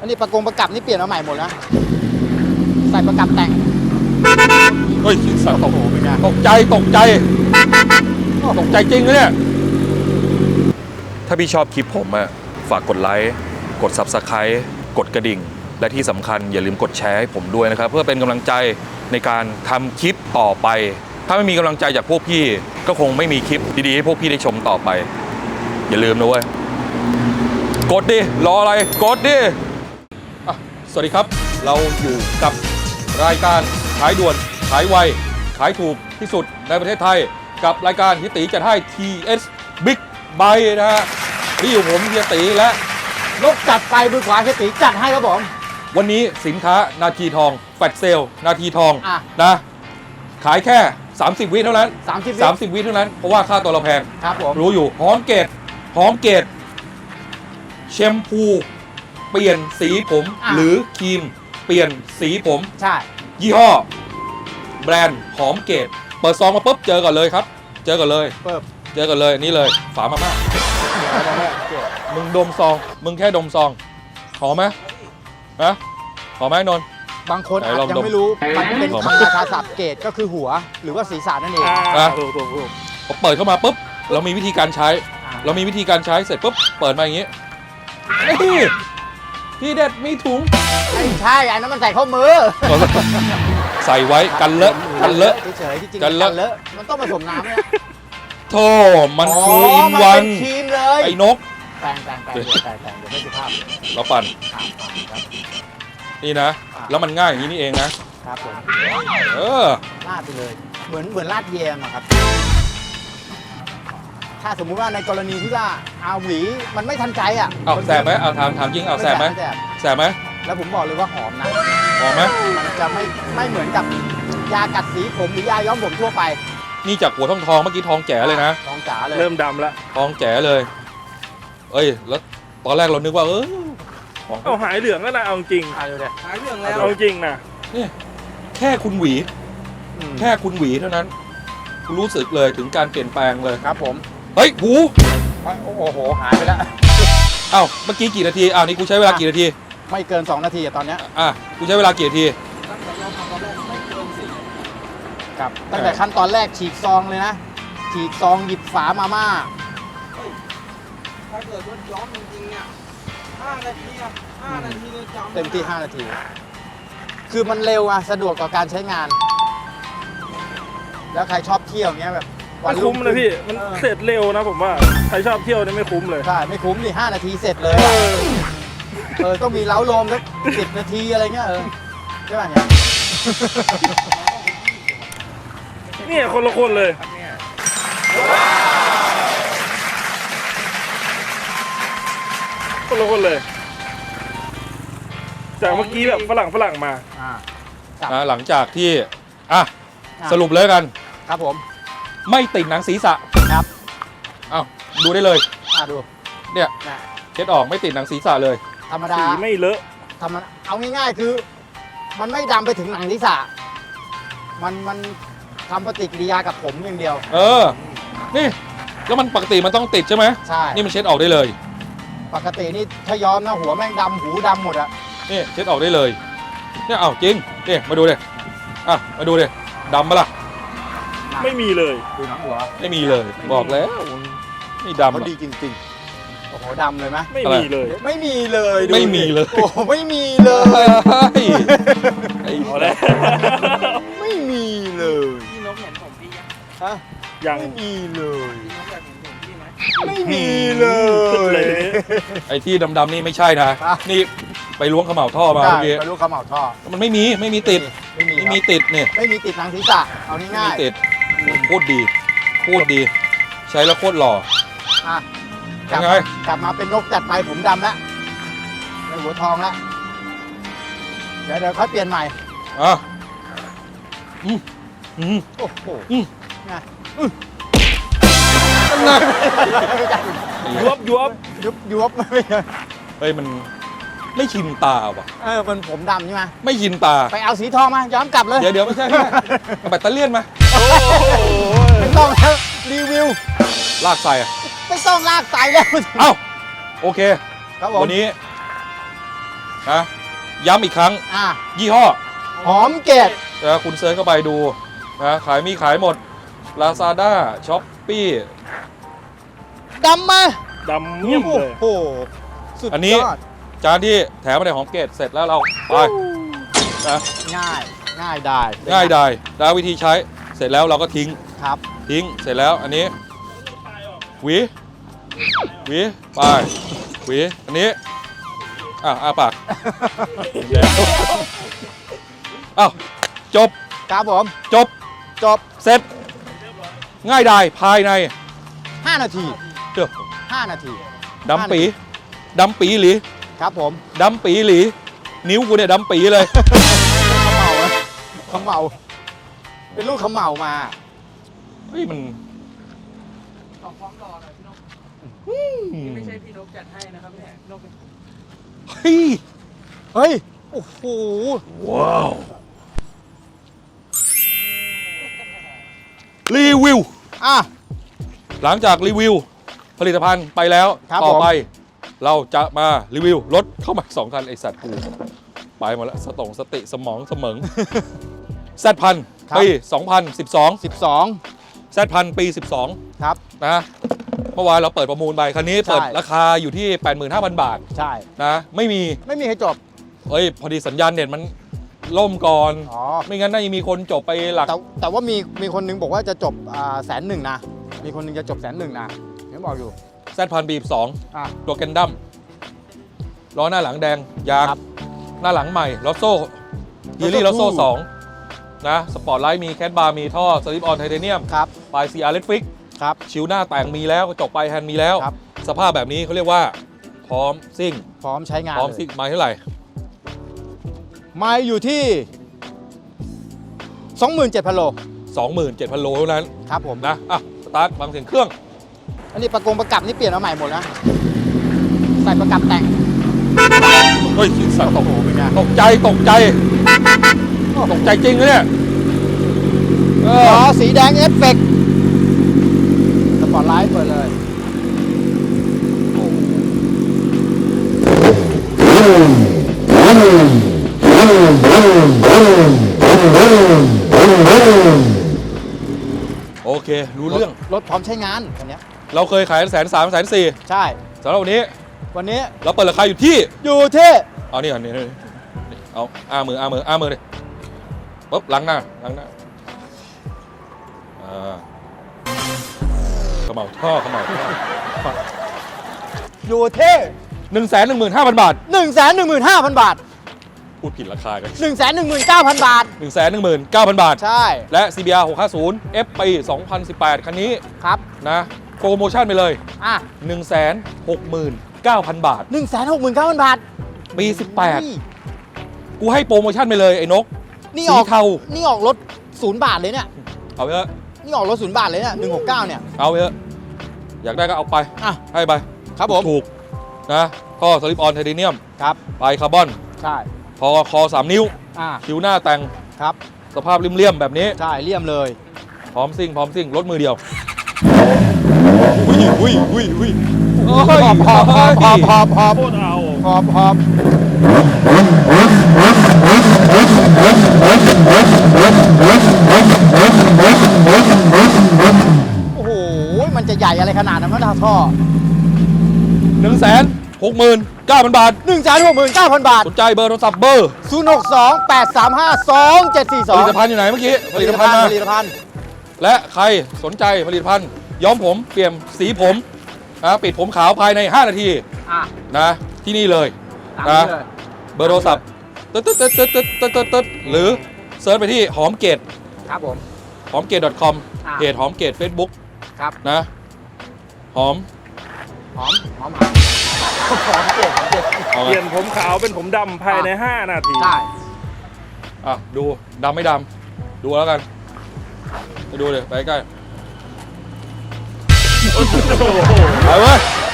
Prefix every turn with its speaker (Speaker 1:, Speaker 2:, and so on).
Speaker 1: อันนี้ประกับนี่เปลี่ยนมาใหม่หมดนะใส่ประกับแต่ง
Speaker 2: เฮ้ยสัตว์
Speaker 1: โอ้โหเป็นไง
Speaker 2: ตกใจจริงนะเนี่ยถ้าพี่ชอบคลิปผมอะฝากกดไลค์กด Subscribe กดกระดิ่งและที่สำคัญอย่าลืมกดแชร์ให้ผมด้วยนะครับเพื่อเป็นกำลังใจในการทำคลิปต่อไปถ้าไม่มีกำลังใจจากพวกพี่ก็คงไม่มีคลิปดีๆให้พวกพี่ได้ชมต่อไปอย่าลืมนะเว้ยกดดิรออะไรกดดิสวัสดีครับเราอยู่กับรายการขายด่วนขายไวขายถูกที่สุดในประเทศไทยกับรายการฮิตีจัดให้ TS Big Buy นะฮะที่อยู่ผมเฮียตีและ
Speaker 1: นกจัดไปมือขวาเฮียตีจัดให้ครับผม
Speaker 2: วันนี้สินค้านาทีทองแฟลชเซลนาทีทอง นะขายแค่ 30 วิเท่านั้น30 วิเท่านั้นเพราะว่าค่าตัวเราแพง
Speaker 1: ครับผม
Speaker 2: รู้อยู่หอมเกตแชมพูเปลี่ยนสีผมหรือครีมเปลี่ยนสีผม
Speaker 1: ใช่
Speaker 2: ยี่ห้อแบรนด์หอมเกตเปิดซองมาปุ๊บเจอก่อนเลยครับเจอก่อนเลยนี่เลยฝามาม่ามึงดมซองมึงแค่ดมซองหอมไหมนะหอมไหมนนท์
Speaker 1: บางคนอาจจะไม่รู้มันเป็นคำราชาศัพท์เกตก็คือหัวหรือว่าศีรษะนั่นเอง
Speaker 2: พอเปิดเข้ามาปุ๊บเรามีวิธีการใช้เสร็จปุ๊บเปิดมาอย่างนี้ที่เด็ดมีถุง
Speaker 1: ไม่ใช่อันนั้นมันใส่ข้อมือ
Speaker 2: ใส่ไว้กันเลอะ
Speaker 1: เฉยๆที่จริงกันเลอะมันต้องผสมน้ำเนี่ย
Speaker 2: โธ่มันคืออินวัน
Speaker 1: ครีมเลย
Speaker 2: ไอ้นก
Speaker 1: แปลงเดี๋ยวไม่สุภาพ
Speaker 2: เราปั่นนี่นะแล้วมันง่ายอย่างนี้นี่เองนะครับ
Speaker 1: ผมลาดไปเลยเหมือนลาดแยมอะครับถ้าสมมุติว่าในกรณีที่ว่าเอาหวีมันไม่ทันใจอ่ะ
Speaker 2: เอาแสบไหมเอาถามจริงเอาแสบไหม
Speaker 1: แล้วผมบอกเลยว่าหอมนะ
Speaker 2: หอมไหม
Speaker 1: มันจะไม่เหมือนกับยากัดสีผมหรือยาย้อมผมทั่วไป
Speaker 2: นี่จากหัวทองเมื่อกี้ทองแจ๋เลยนะ
Speaker 1: ทองจ๋าเลย
Speaker 3: เริ่มดำแล้ว
Speaker 2: ทองแจ๋เลยเอ้ยแล้วตอนแรกเรานึกว่า
Speaker 3: เอาหายเหลืองแล้วนะเอาจริง
Speaker 1: หายเหลืองแล้ว
Speaker 3: เอาจริงนะ
Speaker 2: นี่แค่คุณหวีเท่านั้นคุณรู้สึกเลยถึงการเปลี่ยนแปลงเลย
Speaker 1: ครับผม
Speaker 2: เฮ้ยหู
Speaker 1: โอ้โหหายไปแล้ว
Speaker 2: เอ้าเมื่อกี้กี่นาทีนี่กูใช้เวลากี่นาที
Speaker 1: ไม่เกิน2 นาทีตอนนี้
Speaker 2: กูใช้เวลากี่นาที
Speaker 1: ครับตั้งแต่ขั้นตอนแรกฉีกซองเลยนะฉีกซองหยิบฝามาม่าถ้าเกิดว่าย้อมจริงๆเนี่ย5 นาทีเลยจำเต็มที่5 นาทีคือมันเร็วสะดวกต่อการใช้งานแล้วใครชอบเที่ยวเงี้ยแบบ
Speaker 3: ไม่คุ้มเลยพี่มันเสร็จเร็วนะผมว่าใครชอบเที่ยวเนี่ยไม่คุ้มเลย
Speaker 1: ใช่ไม่คุ้มดิ5 นาทีเสร็จเลยต้องมีเล้าโลมสัก10 นาทีอะไรเงี้ยใช่ป่ะ
Speaker 3: เนี่ยคนละคนเลยจากเมื่อกี้แบบฝรั่งมา
Speaker 2: หลังจากที่สรุปเลยกัน
Speaker 1: ครับผม
Speaker 2: ไม่ติดหนังศีรษะ
Speaker 1: ครับ
Speaker 2: ดูได้เลย
Speaker 1: ดู
Speaker 2: เนี่ยเช็ดออกไม่ติดหนังศีรษะเลย
Speaker 1: ธรรมดา
Speaker 3: สีไม่เลอะ
Speaker 1: เอาง่ายๆคือมันไม่ดำไปถึงหนังศีรษะมันทำปฏิกิริยากับผมอย่างเดียว
Speaker 2: นี่แล้วมันปกติมันต้องติดใช่ไหม
Speaker 1: ใช่
Speaker 2: นี่มันเช็ดออกได้เลย
Speaker 1: ปกตินี่ถ้าย้อมนะหัวแม่งดำหูดำหมดอะ
Speaker 2: นี่เช็ดออกได้เลยเนี่ยจริงนี่มาดูเลยมาดูเลยดำปะล่ะ
Speaker 3: ไม่มีเลย
Speaker 1: ดูหนังหัว
Speaker 2: ไม่มีเลยบอกแล้วนี่ดำ
Speaker 1: ดีจริงๆโอ้โหดำเลยไหม
Speaker 3: ไม่มีเลย
Speaker 1: โอ้ไม่มีเลย
Speaker 2: โอ้ไม่มีเลย
Speaker 1: ไม่มีเลย
Speaker 4: พี่นกเห็นผมพี่
Speaker 3: ยัง
Speaker 1: ไม่มีเลย
Speaker 4: พี่นกอยากเห็นผมพี่ไหม
Speaker 1: ไม่มีเลย
Speaker 2: ไอ้ที่ดำๆนี่ไม่ใช่นะนี่ไปล้วงขม่าวท่อมาเมื่อกี้
Speaker 1: ไปล้วงขม่าวท่อ
Speaker 2: มันไม่มีติดไม่มีติดเนี่ย
Speaker 1: ไม่มีติดหนังศีรษะเอาง่ายๆไม่
Speaker 2: มีติดโคตรดีใช้แล้วโคตรหล่อ
Speaker 1: ยังไงกลับมาเป็นนกจัดไปผมดำแล้วในหัวทองแล้วเดี๋ยวค่อยเปลี่ยนใหม่โอ้โหไงยวบไม่
Speaker 2: เฮ้ยมันไม่ชินตาว่ะ
Speaker 1: มันผมดำใช่ไหม
Speaker 2: ไม่ชินตา
Speaker 1: ไปเอาสีทองมาย้อมกลับเลย
Speaker 2: เดี๋ยวไม่ใช่เอาแบตเตอรี่มา
Speaker 1: ไม่ต้องรีวิว
Speaker 2: ลากใส่
Speaker 1: ไม่ต้องลากใส่แล้ว
Speaker 2: โอเควันนี้นะย้ำอีกครั้ง
Speaker 1: อ่ะ
Speaker 2: ยี่ห้อ
Speaker 1: หอมเกต
Speaker 2: นะคุณเซิร์ชเข้าไปดูนะขายหมด Lazada Shopee
Speaker 1: ดำมา
Speaker 3: ดำเงียบ
Speaker 1: โอ้
Speaker 3: เลย
Speaker 1: โหสุด
Speaker 2: อันนี้
Speaker 1: ยอด
Speaker 2: จานที่แถมมาในหอมเกตเสร็จแล้วเราไปนะ
Speaker 1: ง่ายง่ายได้
Speaker 2: ง่ายดายแล้ววิธีใช้เสร็จแล้วเราก็ทิ้ง
Speaker 1: ครับ
Speaker 2: เสร็จแล้วอันนี้หวีไปหวีอันนี้อ้าปากแล้วอ้าวจบ
Speaker 1: ครับผม
Speaker 2: จบ
Speaker 1: จบ
Speaker 2: เสร็จ ง่ายดายภายใน
Speaker 1: 5 นาที
Speaker 2: เดี๋ยว
Speaker 1: 5 นาที
Speaker 2: ดำปีหลี
Speaker 1: ครับผม
Speaker 2: ดำปีหลี นิ้วกูเนี่ยดำปีเลย
Speaker 1: ขมเหลาเป็นลูกขมเหลามา
Speaker 2: เฮ้ยมัน
Speaker 4: ขอพร้อมรอหน่อยพี่นกนี่ไม่ใช่พี่นกจัดให้นะครับเนี่ยพี่นกเป็น
Speaker 2: เฮ้ย
Speaker 1: เฮ้ย โอ้โห
Speaker 2: ว้าวรีวิว
Speaker 1: อ่ะ
Speaker 2: หลังจากรีวิวผลิตภัณฑ์ไปแล้ว
Speaker 1: ครับ
Speaker 2: ต่อ
Speaker 1: ผม
Speaker 2: ไป เราจะมารีวิวรถเข้ามา2 คันไอสัตว์กูไปหมดแล้วสติสมองเสมอง แซดพัน
Speaker 1: ครับ
Speaker 2: ปี 2012
Speaker 1: 12
Speaker 2: แซดพันปี
Speaker 1: ครับ
Speaker 2: 12 นะเมื่อวานเราเปิดประมูลไปคันนี้
Speaker 1: ใช่
Speaker 2: เปิดราคาอยู่ที่ 85,000 บาท
Speaker 1: ใช่
Speaker 2: นะไม่มี
Speaker 1: ไม่มีให้จบ
Speaker 2: เฮ้ย พอดีสัญญาณเน็ตมันล่มก่อน
Speaker 1: อ๋อ
Speaker 2: ไม่งั้นน่าจะมีคนจบไปหลัก
Speaker 1: แต่ว่ามีคนนึงบอกว่าจะจบ100,000นะ มีคนนึงจะจบ100,000นะเห็นบอกอยู่
Speaker 2: แซดพันปี
Speaker 1: อ่ะ
Speaker 2: 12 ตัวแกนดั้มล้อหน้าหลังแดง ยาง
Speaker 1: ครับ
Speaker 2: หน้าหลังใหม่ลอโซ่ยีรี่ลอโซ่2นะสปอร์ตไลท์มีแคทบาร์มีท่อสลิปออนไทเทเนียม
Speaker 1: ครับ
Speaker 2: ปลายซีอาร์เลดฟิก
Speaker 1: ครับ
Speaker 2: ชิวหน้าแต่งมีแล้วกระจกปลายแฮนด์มีแล้ว
Speaker 1: ครับ
Speaker 2: สภาพแบบนี้เขาเรียกว่า พร้อมซิ่ง
Speaker 1: พร้อมใช้งาน
Speaker 2: พร้อม
Speaker 1: เลย
Speaker 2: ซิ่งไม้เท่าไหร่
Speaker 1: ไม่อยู่ที่ 27,000 โล
Speaker 2: 27,000 โลเท่านั้น
Speaker 1: ครับผม
Speaker 2: นะอ่ะสตาร์ทฟังเสียงเครื่อง
Speaker 1: อันนี้ประกับนี่เปลี่ยนมาใหม่หมดนะ ใส่ประกับแต่ง
Speaker 2: เฮ้ยสัตว์
Speaker 1: โอ้โหเป็นไง
Speaker 2: ตกใจจริงนะเนี่ยเอ
Speaker 1: ล้
Speaker 2: อ
Speaker 1: อสีแดงเอฟเฟกต์สปอร์ตไลท์เปิดเลย
Speaker 2: โอเค รู้เรื่อง
Speaker 1: รถพร้อมใช้งานคันเนี้ย
Speaker 2: เราเคยขาย130,000 140,000
Speaker 1: ใช่
Speaker 2: สำหรับวันนี้
Speaker 1: วันนี้
Speaker 2: เราเปิดราคาอยู่ที่
Speaker 1: อยู่ที่
Speaker 2: เอานี่ก่อนนี่เอาอ้ามือดิปุ๊บล้างหน้าขมเหลาท่อ
Speaker 1: อยู่ที่
Speaker 2: 115,000 บาท
Speaker 1: 115,000 บาท
Speaker 2: พูดผิดราคากัน
Speaker 1: 119,000 บาท
Speaker 2: 119,000 บาท
Speaker 1: ใช่
Speaker 2: และ CBR 650 F ปี 2018 คันนี้
Speaker 1: ครับ
Speaker 2: นะโปรโมชั่นไปเลย
Speaker 1: อ่ะ
Speaker 2: 169,000 บาท
Speaker 1: 169,000 บาท
Speaker 2: ปี 18 กูให้โปรโมชั่นไปเลยไอ้นก
Speaker 1: นี่
Speaker 2: สี
Speaker 1: ออก
Speaker 2: เทา
Speaker 1: นี่ออกรถ0 บาทเลยเนี่ย
Speaker 2: เอาไปเถอะ
Speaker 1: นี่ออกรถ0 บาทเลยเนี่ย169เนี่ย
Speaker 2: เอาไปเถอะอยากได้ก็เอาไป
Speaker 1: อ่ะ
Speaker 2: ให้ไป
Speaker 1: ครับผม
Speaker 2: ถูกนะท่อสลิปออนไทเทเนียม
Speaker 1: ครับ
Speaker 2: ปลายคาร์บอน
Speaker 1: ใช่
Speaker 2: คอ3 นิ้ว
Speaker 1: อ่ะ
Speaker 2: คิ้วหน้าแต่ง
Speaker 1: ครับ
Speaker 2: สภาพเลี่ยมๆแบบนี้
Speaker 1: ใช่เลี่ยมเลย
Speaker 2: พร้อมซิ่งรถมือเดียวอุ้ยโอ้ย
Speaker 1: หอบ
Speaker 3: โคตรเอา
Speaker 1: หอบโอ้โห มันจะใหญ่อะไรขนาดนั้นวะท่อ
Speaker 2: 169,000 บาท
Speaker 1: 169,000 บาท
Speaker 2: สนใจเบอร์โทรศัพท์เบอร์
Speaker 1: 062 835
Speaker 2: ผลิตภัณฑ์
Speaker 1: 2742
Speaker 2: อยู่ไหนเมื่อกี้
Speaker 1: ผลิตภัณฑ์ผลิตภัณฑ์
Speaker 2: และใครสนใจผลิตภัณฑ์ย้อมผมเปลี่ยนสีผมนะปิดผมขาวภายใน 5 นาที
Speaker 1: อ่ะ
Speaker 2: นะที่นี่เลย
Speaker 1: ตาม
Speaker 2: นะ
Speaker 1: นี้เลย
Speaker 2: เบอร์โทรศัพท์ตึ๊ดหรือเซิร์ชไปที่หอมเกต
Speaker 1: ครับผม
Speaker 2: หอมเกต .com
Speaker 1: อ่า
Speaker 2: เพจหอมเกต Facebook
Speaker 1: ครับ
Speaker 2: นะหอม
Speaker 1: หอมเก่ง
Speaker 2: เอา
Speaker 3: เป
Speaker 2: ไง
Speaker 3: ลี่ยนผมขาวเป็นผมดำภายใน 5 นาที
Speaker 1: ใช่
Speaker 2: อ่ะดูดำไม่ดำดูแล้วกันไปดูเลยไปใกล้
Speaker 3: โอ้โห
Speaker 2: ไปเว้ย